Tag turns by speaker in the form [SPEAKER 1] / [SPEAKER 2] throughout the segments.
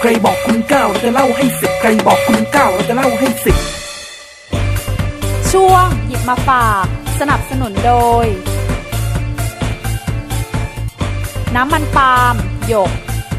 [SPEAKER 1] ใครบอกคุณ9เราจะเล่าให้10ใครบอกคุณ9เราจะเล่าให้10
[SPEAKER 2] ช่วงหยิบมาฝากสนับสนุนโดยน้ำมันปาล์มหยก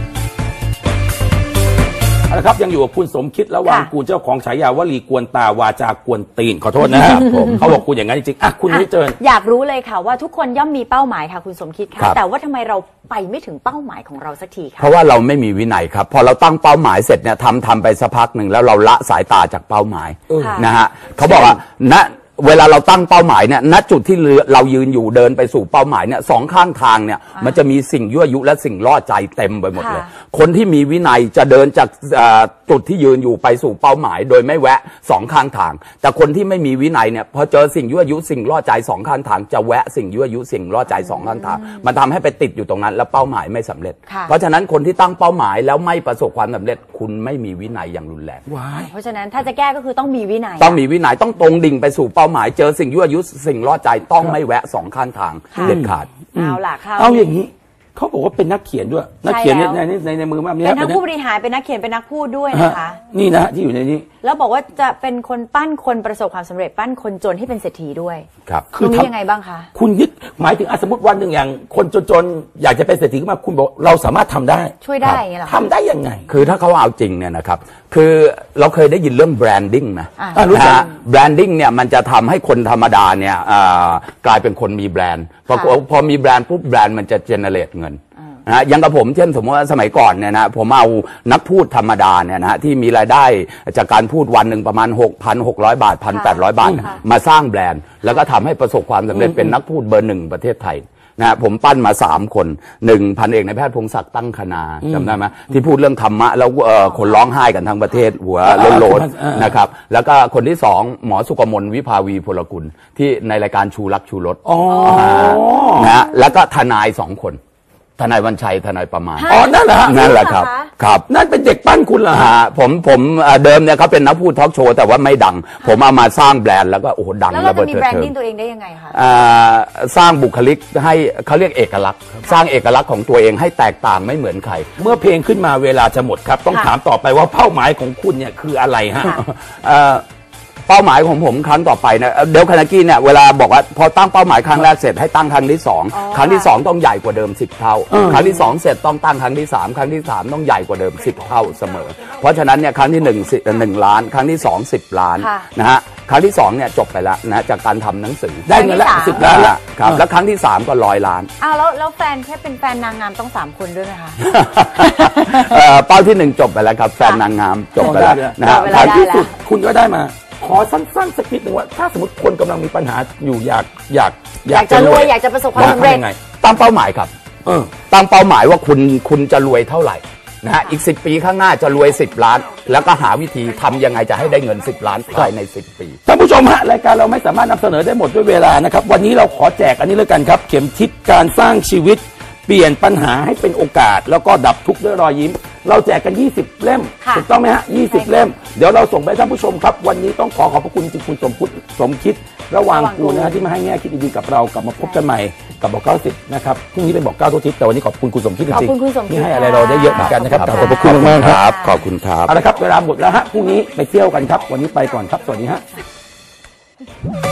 [SPEAKER 3] นะครับยังอยู่กับคุณสมคิดระวังกูลเจ้าของฉายาวลีกวนตาวาจากวนตีนขอโทษนะครับผมเขาบอกคุณอย่างนั้นจริงๆอ่ะคุณนิเจิญ
[SPEAKER 4] อยากรู้เลยค่ะว่าทุกคนย่อมมีเป้าหมายค่ะคุณสมคิดค่ะแต่ว่าทำไมเราไปไม่ถึงเป้าหมายของเราสักทีคะ
[SPEAKER 5] เพราะว่าเราไม่มีวินัยครับพอเราตั้งเป้าหมายเสร็จเนี่ยทำไปสักพักหนึ่งแล้วเราละสายตาจากเป้าหมายนะฮะเขาบอกว่าเวลาเราตั้งเป้าหมายเนี่ยณจุดที่เรายืนอยู่เดินไปสู่เป้าหมายเนี่ยสองข้างทางเนี่ยมันจะมีสิ่งยั่วยุและสิ่งล่อใจเต็มไปหมดเลยคนที่มีวินัยจะเดินจากจุดที่ยืนอยู่ไปสู่เป้าหมายโดยไม่แวะสองข้างทางแต่คนที่ไม่มีวินัยเนี่ยพอเจอสิ่งยั่วยุสิ่งล่อใจสองข้างทางจะแวะสิ่งยั่วยุสิ่งล่อใจสองข้างทางมันทำให้ไปติดอยู่ตรงนั้นแล้วเป้าหมายไม่สำเร็จเพราะฉะนั้นคนที่ตั้งเป้าหมายแล้วไม่ประสบความสำเร็จคุณไม่มีวินัยอย่างรุนแรง
[SPEAKER 4] เพราะฉะนั้นถ้าจะแก้ก็คือต้องมีวินัย
[SPEAKER 5] ต้องตรงดิ่งไปสู่เป้าหมายเจอสิ่งยั่วยุสิ่งล่อใจต้องไม่แวะสองข้างทางเด็ดขาด
[SPEAKER 3] เอาอย่างนี้เขาบอกว่าเป็นนักเขียนด้วยนักเขียนในมือแบบนี้
[SPEAKER 4] เป็นทั้งผู้บริหารเป็นนักเขียนเป็นนักพูดด้วยนะคะ
[SPEAKER 3] นี่นะที่อยู่ในนี้
[SPEAKER 4] แล้วบอกว่าจะเป็นคนปั้นคนประสบความสำเร็จปั้นคนจนให้เป็นเศรษฐีด้วย
[SPEAKER 5] ครับ
[SPEAKER 4] คือนี้ยังไงบ้างคะ
[SPEAKER 3] คุณยึดหมายถึงสมมติวันหนึ่งอย่างคนจนอยากจะเป็นเศรษฐีขึ้นมาคุณบอกเราสามารถทำได้
[SPEAKER 4] ช่วยได้อย่างเงี้ยหรอ
[SPEAKER 3] ทำได้ยังไง
[SPEAKER 5] คือถ้าเขาเอาจริงเนี่ยนะครับคือเราเคยได้ยินเรื่องแบรนดิ้งนะแบรนดิ้งเนี่ยมันจะทำให้คนธรรมดาเนี่ยกลายเป็นคนมีแบรนด์พอมีแบรนด์ปุ๊บแบรนด์มันจะเจเนเรตเงินนะอย่างกับผมเช่นสมมติว่าสมัยก่อนเนี่ยนะผมเอานักพูดธรรมดาเนี่ยนะที่มีรายได้จากการพูดวันหนึ่งประมาณ 6,600 บาท 1,800 บาทมาสร้างแบรนด์แล้วก็ทำให้ประสบความสำเร็จเป็นนักพูดเบอร์ 1ประเทศไทยนะผมปั้นมา3คน1พันเอกนายแพทย์พงศักดิ์ตั้งคณาจำได้ไหมที่พูดเรื่องธรรมะแล้วคนร้องไห้กันทั้งประเทศหัวโลนๆนะครับแล้วก็คนที่2หมอสุกมลวิภาวีพลกุลที่ในรายการชูรักชูรสนะแล้วก็ทนาย2คนทนายวันชัยทนายประมาณ
[SPEAKER 3] นั่นแหละ
[SPEAKER 5] ครับ
[SPEAKER 3] นั่นเป็นเด็กปั้นคุณเหรอ
[SPEAKER 5] ฮะผมเดิมเนี่ยเขาเป็นนักพูดทอล์กโชว์แต่ว่าไม่ดังผมเอามาสร้างแบรนด์แล้วก็โอ้โหดัง
[SPEAKER 4] แล้วเราจะมีแบรนดิ้งตัวเองได้ยังไงคะ
[SPEAKER 5] สร้างบุคลิกให้เขาเรียกเอกลักษณ์สร้างเอกลักษณ์ของตัวเองให้แตกต่างไม่เหมือนใคร
[SPEAKER 3] เมื่อเพลงขึ้นมาเวลาจะหมดครับต้องถามต่อไปว่าเป้าหมายของคุณเนี่ยคืออะไรฮะ
[SPEAKER 5] เป้าหมายของผมครั้งต่อไปนะเดลคานากี้เนี่ยเวลาบอกว่าพอตั้งเป้าหมายครั้งแรกเสร็จให้ตั้งครั้งที่2ครั้งที่2ต้องใหญ่กว่าเดิม10เท่าครั้งที่2เสร็จต้องตั้งครั้งที่3ครั้งที่3ต้องใหญ่กว่าเดิม10เท่าเสมอเพราะฉะนั้นเนี่ยครั้งที่1 ล้านครั้งที่2 10 ล้านนะฮะครั้งที่2เนี่ยจบไปแล้วนะจากการทำหนังสือ
[SPEAKER 3] ได้เงินละ10 ล้านละ
[SPEAKER 5] ครับแล้วครั้งที่3ก็100 ล้าน
[SPEAKER 4] แล้วแฟนแค่เป็นแฟนนางงามต้อง3คนด้วยไหมคะ
[SPEAKER 5] เป้าที่1จบไปแล้วครับแฟนนางงามจบไปแล้วนะฮะ
[SPEAKER 3] ท้ายที่สุดคุณก็ได้มาขอสั้นๆสักนิดหนึ่งว่าถ้าสมมติคนกำลังมีปัญหาอยู่อยาก
[SPEAKER 4] จะรวยอยากจะประสบความสำเร็จ
[SPEAKER 5] ตั้งเป้าหมายครับตั้งเป้าหมายว่าคุณจะรวยเท่าไหร่นะฮะอีก10 ปีข้างหน้าจะรวย10 ล้านแล้วก็หาวิธีทำยังไงจะให้ได้เงิน10 ล้านภายใน10 ปี
[SPEAKER 3] ท่านผู้ชมฮะรายการเราไม่สามารถนำเสนอได้หมดด้วยเวลานะครับวันนี้เราขอแจกอันนี้เลยกันครับเข็มทิศการสร้างชีวิตเปลี่ยนปัญหาให้เป็นโอกาสแล้วก็ดับทุกข์ด้วยรอยยิ้มเราแจกกัน20 เล่มถูกต้องไหมฮะ20 เล่มเดี๋ยวเราส่งไปท่านผู้ชมครับวันนี้ต้องขอบพระคุณจริงคุณสมคิดระหว่างกูนะฮะที่มาให้แง่คิดดีๆกับเรากลับมาพบกันใหม่กับบอก90นะครับพรุ่งนี้เป็นบอก9ทุกทิศแต่วันนี้ขอบคุณคุณสมคิดจริงๆที่ให้อะไรเราได้เยอะเหมือนกันนะครับขอบพระคุณมากครับ
[SPEAKER 5] ขอบคุณครับ
[SPEAKER 3] เอาละครับเวลาหมดแล้วฮะพรุ่งนี้ไปเที่ยวกันครับวันนี้ไปก่อนครับสวัสดีฮะ